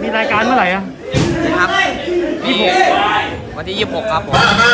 มีรายการเมื่อไหร่อะครับมีวันที่ 26 ครับผม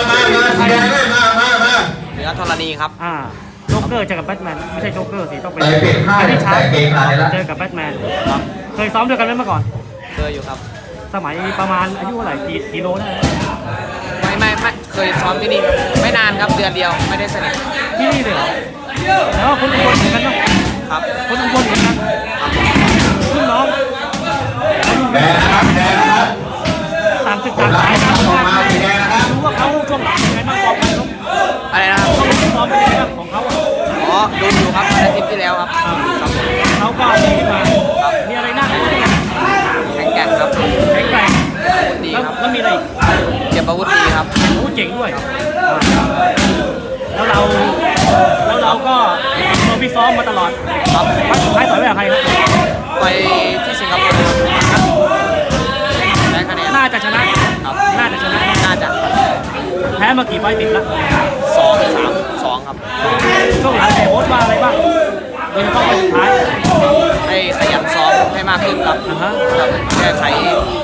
เหนือธรณีครับโจ๊กเกอร์เจอกับแบทแมนไม่ใช่โจ๊กเกอร์สิต้องเป็นอันนี้ชาร์เกงในละเจอกับแบทแมนครับเคยซ้อมด้วยกันไหมเมื่อก่อนเคยอยู่ครับสมัยประมาณอายุเท่าไหร่กี่โลได้ไม่เคยซ้อมที่นี่ครับไม่นานครับเดือนเดียวไม่ได้สนิทที่นี่เลยเหรอแล้วคนอุบลเหมือนกันเนาะครับคนอุบลเหมือนกันรุ่นน้องแดงนะครับแดงนะครับต่างศึกต่างสายกันออกมาสีแดงนะครับรู้ว่าเขาช่วงหลังเป็นไงบ้างบอกกันลูกอะไรนะครับเขาซ้อมเป็นยังไงบ้างของเขาอ่ะอ๋อดูอยู่ครับอาทิตย์ที่แล้วครับครับผมเขาก็ดีขึ้นมามีอะไรน่าดูบ้างแข็งแกร่งครับแข็งแกร่งดีแล้วครับแล้วมีอะไรอีกเก็บอาวุธดีครับโอ้เจ๋งด้วยแล้วเราก็เราพิซ้อมมาตลอดครับครั้งสุดท้ายต่อยไว้กับใครครับไปที่สิงคโปร์ได้คะแนนน่าจะชนะครับน่าจะชนะน่าจะแพ้มากี่ไฟต์ติดแล้ว 2-3-2 ครับช่วงหลังแต่โอ๊ตว่าอะไรบ้างโดยเฉพาะไฟต์สุดท้ายให้ขยันซ้อมให้มากขึ้นครับฮะครับแก้ไข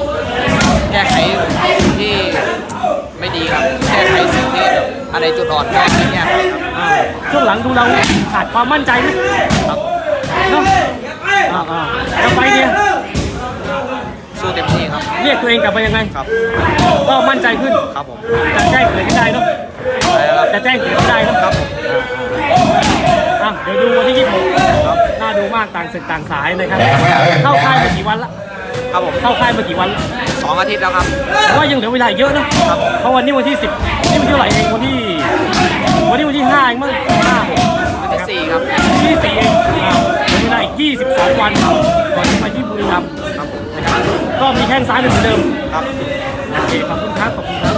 สิ่งที่ไม่ดีครับแก้ไขสิ่งที่แบบอะไรจุดอ่อนแก้ไขแก้ไขครับช่วงหลังดูเราขาดความมั่นใจไหมครับเนาะแล้วไฟต์เนี่ยสู้เต็มที่ครับเรียกตัวเองกลับมายังไงครับก็มั่นใจขึ้นครับผมจะแจ้งเกิดขึ้นได้เนาะไปแล้วครับจะแจ้งเกิดขึ้นได้เนาะครับผมเดี๋ยวดูวันที่26น่าดูมากต่างศึกต่างสายนะครับแดงไหมเอ้ยเข้าค่ายมากี่วันละครับผมเข้าค่ายมากี่วันละ 2 อาทิตย์แล้วครับแต่ว่ายังเหลือเวลาอีกเยอะนะเพราะวันนี้วันที่10นี่วันที่เท่าไหร่เองวันที่5เองมั้ง5 วันที่ 4 ครับที่4เองเหลือเวลาอีก22 วันก่อนจะไปที่บุรีรัมย์ครับผมนะครับก็มีแข้งซ้ายเหมือนเดิมครับโอเคขอบคุณครับขอบคุณครับ